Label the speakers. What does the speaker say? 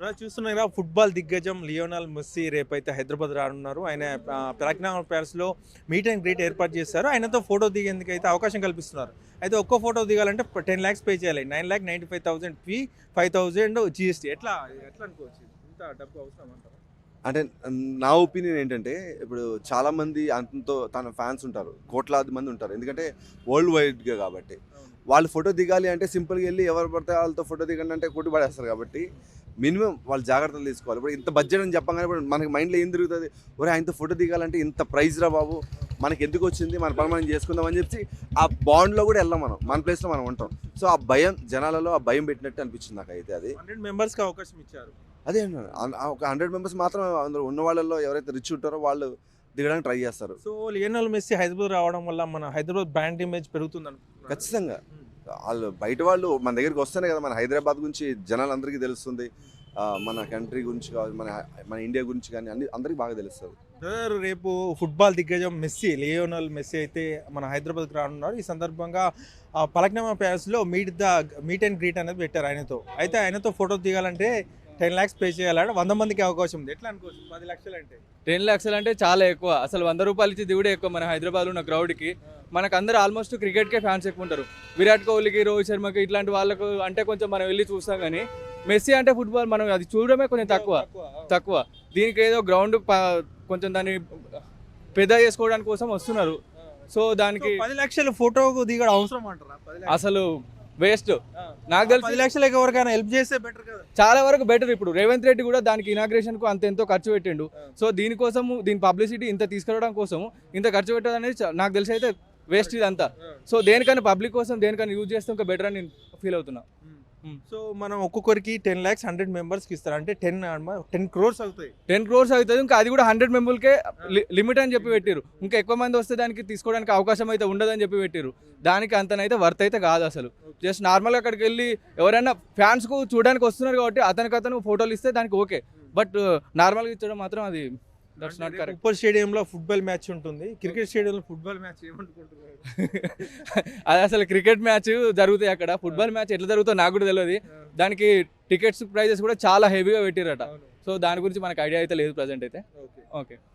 Speaker 1: చూస్తున్నారా ఫుట్బాల్ దిగ్గజం Lionel Messi రేపైతే హైదరాబాద్ రానున్నారు. ఆయన ప్రజ్ఞాన్ ప్యాలెస్లో మీట్ అండ్ గ్రీట్ ఏర్పాటు చేస్తారు. ఆయనతో ఫోటో దిగేందుకు అయితే అవకాశం కల్పిస్తున్నారు. అయితే ఒక్కో ఫోటో దిగాలంటే 10 lakhs పే చేయాలి. 9,95,000 ఫీ, 5,000 GST. ఎట్లా ఎట్లా అనుకోవచ్చు, ఇంత డబ్బు అవసరం అంటారా?
Speaker 2: అంటే నా ఒపీనియన్ ఏంటంటే, ఇప్పుడు చాలామంది అంతతో తన ఫ్యాన్స్ ఉంటారు, కోట్లాది మంది ఉంటారు. ఎందుకంటే వరల్డ్ వైడ్గా కాబట్టి వాళ్ళు ఫోటో దిగాలి అంటే సింపుల్గా వెళ్ళి ఎవరు పడితే వాళ్ళతో ఫోటో దిగండి అంటే కొట్టి పడేస్తారు. కాబట్టి మినిమం వాళ్ళు జాగ్రత్తలు తీసుకోవాలి. ఇప్పుడు ఇంత బడ్జెట్ అని చెప్పగానే ఇప్పుడు మనకి మైండ్లో ఏం తిరుగుతుంది, ఒరే ఆయనతో ఫోటో దిగాలంటే ఇంత ప్రైజ్ రా బాబు, మనకి ఎందుకు వచ్చింది, మన పని మనం చేసుకుందాం అని చెప్పి ఆ బాండ్లో కూడా వెళ్ళాం, మన ప్లేస్లో మనం ఉంటాం. సో ఆ భయం జనాలలో ఆ భయం పెట్టినట్టు అనిపించింది నాకు. అయితే అది
Speaker 1: 100 మెంబర్స్కి అవకాశం ఇచ్చారు.
Speaker 2: అదే ఒక 100 మెంబర్స్ మాత్రం అందులో ఉన్న వాళ్ళలో ఎవరైతే రిచ్ ఉంటారో వాళ్ళు దిగడానికి ట్రై చేస్తారు.
Speaker 1: సో లియోనల్ మెస్సీ హైదరాబాద్ రావడం వల్ల మన హైదరాబాద్ బ్రాండ్ ఇమేజ్ పెరుగుతుంది అనుకుంటున్నారా?
Speaker 2: ఖచ్చితంగా వాళ్ళు బయట వాళ్ళు మన దగ్గరికి వస్తేనే కదా మన హైదరాబాద్ గురించి జనాలందరికీ తెలుస్తుంది. మన కంట్రీ గురించి కాదు, మన ఇండియా గురించి కానీ అందరికీ బాగా తెలుస్తుంది.
Speaker 1: రేపు ఫుట్బాల్ దిగ్గజం మెస్సీ, లియోనల్ మెస్సీ అయితే మన హైదరాబాద్కి రానున్నారు. ఈ సందర్భంగా పలక్నామా ప్యాలెస్లో మీట్ అండ్ గ్రీట్ అనేది పెట్టారు ఆయనతో. అయితే ఆయనతో ఫోటో దిగాలంటే 10 lakhs పే చేయాలంటే 100 మందికి అవకాశం ఉంది. ఎట్లా అనుకోవచ్చు, 10 లక్షలు అంటే?
Speaker 3: 10 లక్షలు అంటే చాలా ఎక్కువ. అసలు 100 రూపాయలు ఇచ్చి దిగుడే ఎక్కువ మన హైదరాబాద్లో ఉన్న క్రౌడ్కి. మనకు అందరూ ఆల్మోస్ట్ క్రికెట్కే ఫ్యాన్స్ ఎక్కువ ఉంటారు. విరాట్ కోహ్లీకి, రోహిత్ శర్మకి ఇట్లాంటి వాళ్ళకు అంటే కొంచెం మనం వెళ్ళి చూస్తాం. కానీ మెస్సీ అంటే ఫుట్బాల్ మనం అది చూడడమే కొంచెం తక్కువ. దీనికి ఏదో గ్రౌండ్ కొంచెం దాన్ని పెద్ద చేసుకోవడానికి కోసం వస్తున్నారు. సో దానికి
Speaker 1: 10 లక్షలు ఫోటోకు దిగడం అవసరం అంటారా?
Speaker 3: అసలు వేస్ట్. నాకు తెలిసి
Speaker 1: 10 లక్షలకి ఎవరికైనా హెల్ప్ చేస్తే బెటర్ కదా.
Speaker 3: చాలా వరకు బెటర్. ఇప్పుడు రేవంత్ రెడ్డి కూడా దానికి ఇనాగ్రేషన్ కు ఎంతో ఖర్చు పెట్టిండు. సో దీనికోసం దీని పబ్లిసిటీ ఇంత తీసుకురావడం కోసం ఇంత ఖర్చు పెట్టడం అనేది నాకు తెలిసి అయితే వేస్ట్ ఇదంతా. సో దేనికైనా పబ్లిక్ కోసం దేనికైనా యూజ్ చేస్తే ఇంకా బెటర్ అని నేను ఫీల్ అవుతున్నా.
Speaker 1: సో మనం ఒక్కొక్కరికి 10 lakhs 100 మెంబర్స్కి ఇస్తారు అంటే 10 crores అవుతాయి.
Speaker 3: 10 crores అవుతుంది. ఇంకా అది కూడా 100 మెంబర్కే లిమిట్ అని చెప్పి పెట్టారు. ఇంకా ఎక్కువ మంది వస్తే దానికి తీసుకోవడానికి అవకాశం అయితే ఉండదని చెప్పి పెట్టారు. దానికి అంతనైతే వర్త్ అయితే కాదు అసలు. జస్ట్ నార్మల్గా అక్కడికి వెళ్ళి ఎవరైనా ఫ్యాన్స్కు చూడడానికి వస్తున్నారు కాబట్టి అతను ఫోటోలు ఇస్తే దానికి ఓకే. బట్ నార్మల్గా ఇచ్చడం మాత్రం అది దట్స్ నాట్ కరెక్ట్.
Speaker 1: ఉప్పల్ స్టేడియంలో ఫుట్బాల్ మ్యాచ్ ఉంటుంది. క్రికెట్ స్టేడియంలో ఫుట్బాల్ మ్యాచ్ ఏమనుకుంటున్నారు?
Speaker 3: అది అసలు క్రికెట్ మ్యాచ్ జరుగుతాయి అక్కడ. ఫుట్బాల్ మ్యాచ్ ఎట్లా జరుగుతుందో నాకు కూడా తెలియదు. దానికి టికెట్స్ ప్రైజెస్ కూడా చాలా హెవీగా పెట్టిరట. సో దాని గురించి మనకు ఐడియా అయితే లేదు ప్రజెంట్ అయితే. ఓకే.